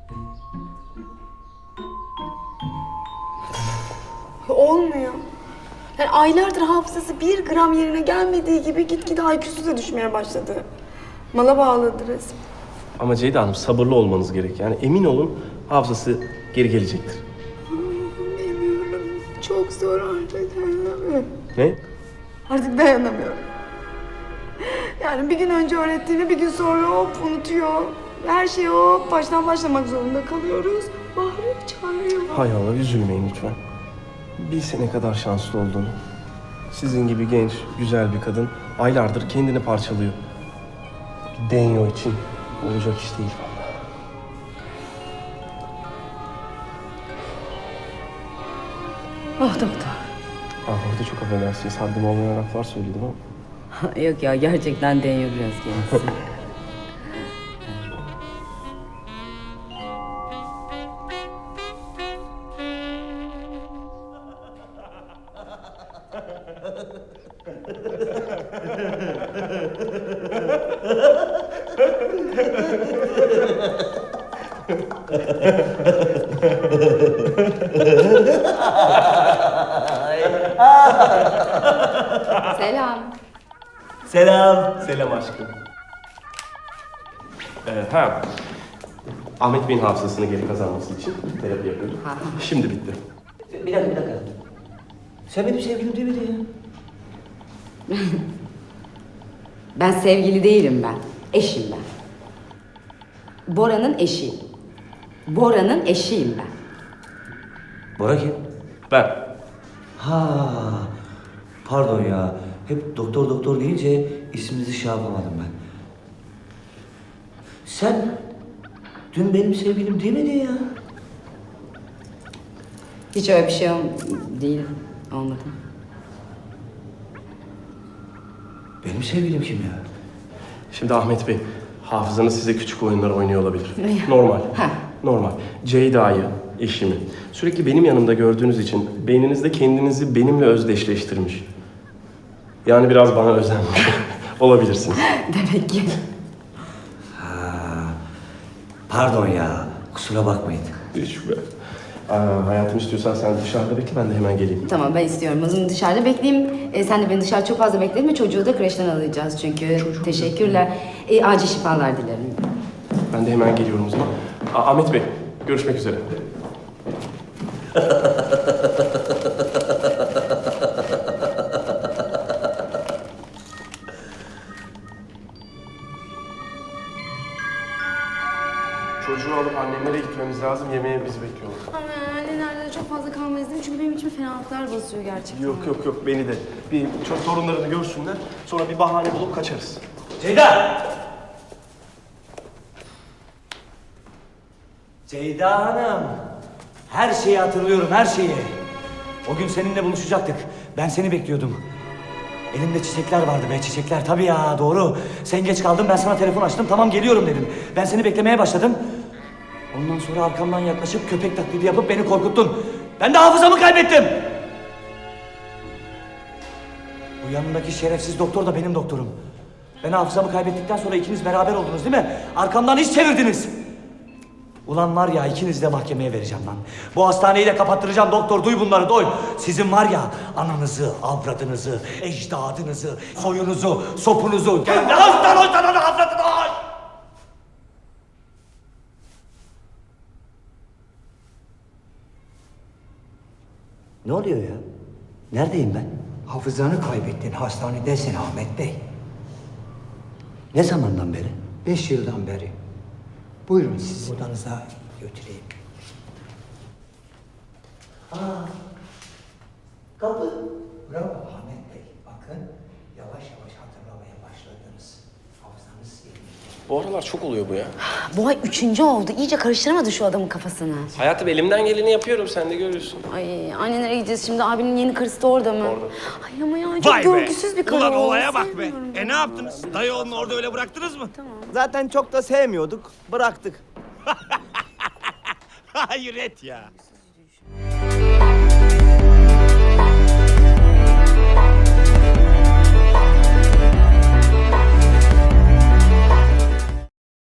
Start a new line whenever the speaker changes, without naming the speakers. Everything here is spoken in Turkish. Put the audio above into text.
Olmuyor. Yani aylardır hafızası 1 gram yerine gelmediği gibi gitgide IQ'su da düşmeye başladı. Mala bağladı resmen.
Ama Ceyda Hanım sabırlı olmanız gerek. Yani emin olun hafızası geri gelecektir.
Bilmiyorum. Çok zor artık.
Ne?
Artık dayanamıyorum. Yani bir gün önce öğrettiğini bir gün sonra hop unutuyor. Her şeyi hop baştan başlamak zorunda kalıyoruz. Bahri çağırıyor.
Hay Allah üzülmeyin lütfen. Bilse ne kadar şanslı olduğunu. Sizin gibi genç, güzel bir kadın aylardır kendini parçalıyor. Bir denyo için olacak iş değil vallahi.
Oh doktor.
Orada çok affedersiniz. Haddim olmayan laflar söyledim ama.
Yok ya gerçekten deniyor biraz kendisi. Selam.
Selam.
Selam aşkım. Ahmet Bey'in hafızasını geri kazanması için terapi yapıyorduk. Şimdi bitti.
Bir dakika. Sen benim sevgilim değil miydin ya?
Ben sevgili değilim ben. Eşim ben. Bora'nın eşiyim. Bora'nın eşiyim ben.
Bora kim?
Ben.
Ha, pardon ya. Hep doktor deyince isminizi şey yapamadım ben. Sen dün benim sevgilim değil miydin ya?
Hiç öyle bir şey değil. Olmadı.
Benim sevgilim kim ya?
Şimdi Ahmet Bey, hafızanız size küçük oyunlar oynuyor olabilir. Normal. Normal. Ceyda'yı, eşimi sürekli benim yanımda gördüğünüz için beyninizde kendinizi benimle özdeşleştirmiş. Yani biraz bana özenmiş olabilirsiniz.
Demek ki.
Pardon ya. Kusura bakmayın.
Hiç be. Hayatım istiyorsan sen dışarıda bekle, ben de hemen geleyim.
Tamam ben istiyorum. O zaman dışarıda bekleyeyim. Sen de beni dışarı çok fazla bekletme. Çocuğu da kreşten alacağız çünkü. Teşekkürler. Acil şifalar dilerim.
Ben de hemen geliyorum o zaman. Ahmet Bey, görüşmek üzere. Çocuğu alıp annemlere gitmemiz lazım. Yemeğe bizi bekliyorlar.
Ama annelerde çok fazla kalmayız değil mi? Çünkü benim içime fenalıklar basıyor gerçekten.
Yok beni de. Bir çok torunlarını görsünler. Sonra bir bahane bulup kaçarız.
Ceyda! Ceyda Hanım. Her şeyi hatırlıyorum, her şeyi. O gün seninle buluşacaktık. Ben seni bekliyordum. Elimde çiçekler vardı be, çiçekler. Tabii ya, doğru. Sen geç kaldın, ben sana telefon açtım. Tamam, geliyorum dedim. Ben seni beklemeye başladım. Ondan sonra arkamdan yaklaşıp köpek taklidi yapıp beni korkuttun. Ben de hafızamı kaybettim. Bu yanındaki şerefsiz doktor da benim doktorum. Ben hafızamı kaybettikten sonra ikiniz beraber oldunuz değil mi? Arkamdan iş çevirdiniz. Ulan var ya, ikinizi de mahkemeye vereceğim lan. Bu hastaneyi de kapattıracağım doktor, duy bunları duy. Sizin var ya, ananızı, avradınızı, ecdadınızı, soyunuzu, sopunuzu... Avradını! Ne oluyor ya? Neredeyim ben?
Hafızanı kaybettin, hastanedesin Ahmet Bey.
Ne zamandan beri?
5 yıldan beri. Buyurun sizi odanıza götüreyim.
Kapı.
Bravo Ahmet Bey. Bakın yavaş yavaş hatırlamaya başladınız. Hafızanız yerinde.
Bu aralar çok oluyor bu ya.
Bu ay 3. oldu. İyice karıştıramadı şu adamın kafasını.
Hayatım elimden geleni yapıyorum, sen de görüyorsun.
Ay annelere gideceğiz şimdi. Abinin yeni karısı da orada mı?
Orada.
Ay ama ya çok
Vay be!
görgüsüz bir karı
Ulan
o.
olaya bak be!
Sevmiyorum ben.
Ne yaptınız? Dayı onu orada öyle bıraktınız mı?
Zaten çok da sevmiyorduk, bıraktık.
Hayret ya!